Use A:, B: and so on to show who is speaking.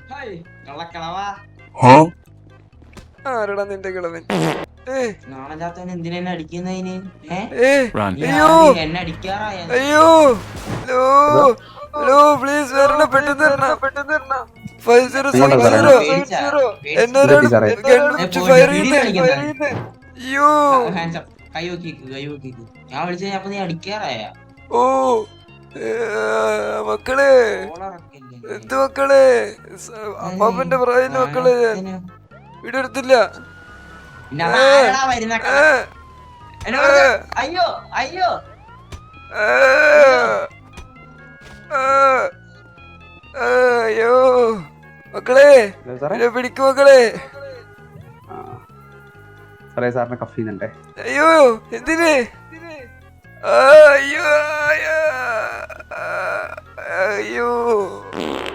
A: കള്ളക്കളവാ
B: ആരടാ നിന്റെ കിളവൻ?
A: നാണല്ലാത്തവൻ എന്തിനാ എന്നെ അടിക്കുന്നതിന്?
B: അയ്യോ
A: എന്നെ അടിക്കാറായ
B: അയ്യോ ലോ ലോ പ്ലീസ് വരണം, പെട്ടെന്ന് വരണം. 5070 എന്നൊരാൾ ഗൺ ഫയർ ചെയ്യുന്നേ. അയ്യോ
A: കൈ നോക്കിക്ക് കൈ നോക്കിക്ക്. ഞാൻ വിളിച്ച അപ്പൊ നീ അടിക്കാറായ
B: ഓ മക്കളെ, എന്ത് മക്കളെ, അപ്പാപ്പന്റെ പ്രായം മക്കളെ. ഞാൻ വീഡിയോ എടുത്തില്ല.
A: വരുന്ന അയ്യോ അയ്യോ
B: അയ്യോ മക്കളെ, പിടിക്കും മക്കളെ.
C: സാറിനെ കഫ് ചെയ്യുന്നുണ്ടേ.
B: അയ്യോ എന്തിന്? അയ്യോ അയ്യോ